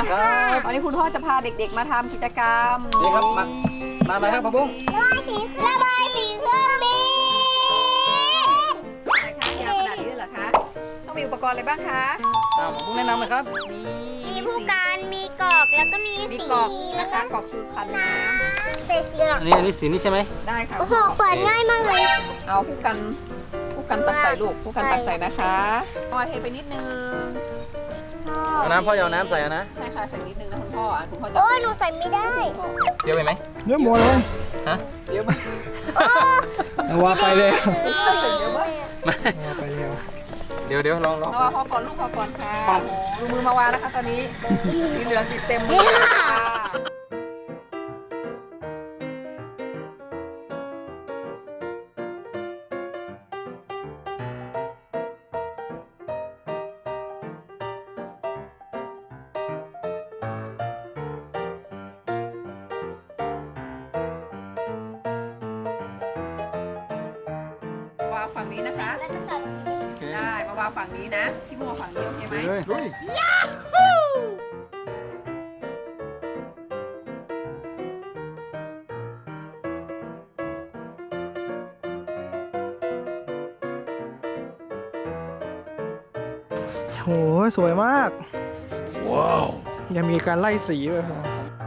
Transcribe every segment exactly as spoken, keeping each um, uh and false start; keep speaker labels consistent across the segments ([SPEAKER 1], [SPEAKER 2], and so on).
[SPEAKER 1] ครับ
[SPEAKER 2] วันนี้คุณพ่อจะพาเด็กๆมาทำกิจกรรม
[SPEAKER 1] นี่ครับมามาอะไรครับพ่อบุ้ง
[SPEAKER 3] ระบายสีเครื่องบิน
[SPEAKER 2] อะไรคะยาวขนาดนี้เลยเหรอคะต้องมีอุปกรณ์อะไรบ้างคะ
[SPEAKER 1] อ่าพ่อบุ้งแนะนำเลยครับ
[SPEAKER 2] มี
[SPEAKER 3] มีผู้การมีกรอกแล้วก็มี
[SPEAKER 2] มี
[SPEAKER 3] สี
[SPEAKER 2] กรอก
[SPEAKER 3] แล้
[SPEAKER 2] นะ
[SPEAKER 3] ว
[SPEAKER 2] คะ
[SPEAKER 3] ก็
[SPEAKER 2] กรอกคือคันน้
[SPEAKER 3] เศษสีหรอ
[SPEAKER 1] อันนี้อันนี้สีนี่ใช่ไหม
[SPEAKER 2] ำได้ค่ะ
[SPEAKER 3] โอ้โหเปิดง่ายมากเลย
[SPEAKER 2] เอาผู้กันผู้กันตักใส่ลูกผู้กันตักใส่นะคะเอามาเทไปนิดนึง
[SPEAKER 1] เอาน้ำพ่อเอาน้ำใส่นะ
[SPEAKER 2] ใช่ค่ะใส่นิดนึงนะคุณพ่ออ่ะคุณพ่อจะ
[SPEAKER 3] โอ้ยหนูใส่ไม่ได้
[SPEAKER 1] เดี๋ยวไปไหม
[SPEAKER 4] เยอะหมดเลย
[SPEAKER 1] ฮะ
[SPEAKER 2] เดี๋ยวมา
[SPEAKER 4] เอาว่าไปเลย
[SPEAKER 2] ใส่เดี๋ยวมา
[SPEAKER 4] เอาว่าไปเร็ว
[SPEAKER 1] เดี๋ยวเดี๋ยวลองลอง
[SPEAKER 2] เอาพอก่อนลูกพอก่อนค่ะ
[SPEAKER 1] ครับ
[SPEAKER 2] ดูมือมาวางนะคะตอนนี้สีเหลืองติดเต็มมือเลยค่ะ วางฝั่งนี้นะคะ
[SPEAKER 3] แล้วจะใส่
[SPEAKER 2] ได้มาวางฝั่งนี้นะพี่มัวฝั่งนี้โอเคไหม
[SPEAKER 1] เฮ้ย
[SPEAKER 4] โหสวยมาก ว้าว ยังมีการไล่สีด้วยครับ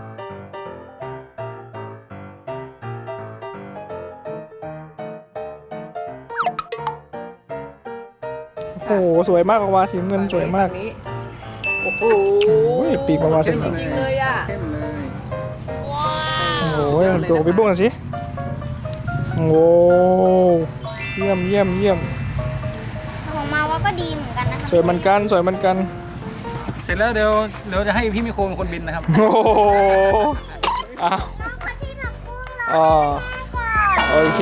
[SPEAKER 4] โอ้โหสวยมากออกมาสีน้ำเงินสวยมาก
[SPEAKER 2] ฝั่งนี้โอ้โห
[SPEAKER 4] โอ้ยปีกมาวาสี
[SPEAKER 2] จริงๆเลยอ่ะ
[SPEAKER 1] เข้มเลย
[SPEAKER 4] โอ้โหตัวพี่บุ้งหน่อยสิโอ้โหเยี่ยมเยี่ยมเยี่ยม
[SPEAKER 3] ของมาว่าก็ดีเหมือนกันนะคะ
[SPEAKER 4] สวยเหมือนกันสวยเหมือนกัน
[SPEAKER 1] เสร็จแล้วเดี๋ยวเดี๋ยวจะให้พี่มิโคเป็นคนบินนะครับ
[SPEAKER 4] โอ้โหอ้าว
[SPEAKER 3] คนที่ทำกุ้งเรา
[SPEAKER 4] อ๋อโอเค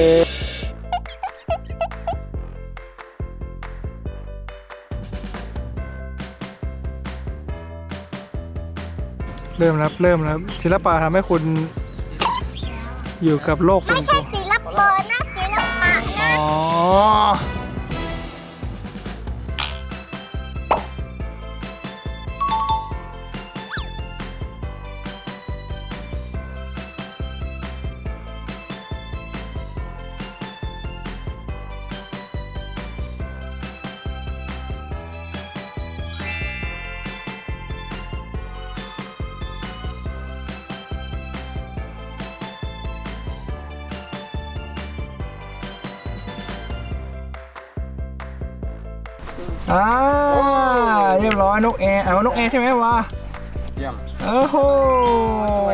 [SPEAKER 4] เริ่มแล้วเริ่มแล้วศิลปะทำให้คุณอยู่กับโลกส่
[SPEAKER 3] ไม่
[SPEAKER 4] วน
[SPEAKER 3] ใช่
[SPEAKER 4] ตัว
[SPEAKER 3] ศิลปะนะศิลปะนะ
[SPEAKER 4] อ๋ออ่าเรียบร้อยนกแอร์เอานกแอร์ใช่ไหมวะ
[SPEAKER 1] เยี่ยม
[SPEAKER 4] โอ้โห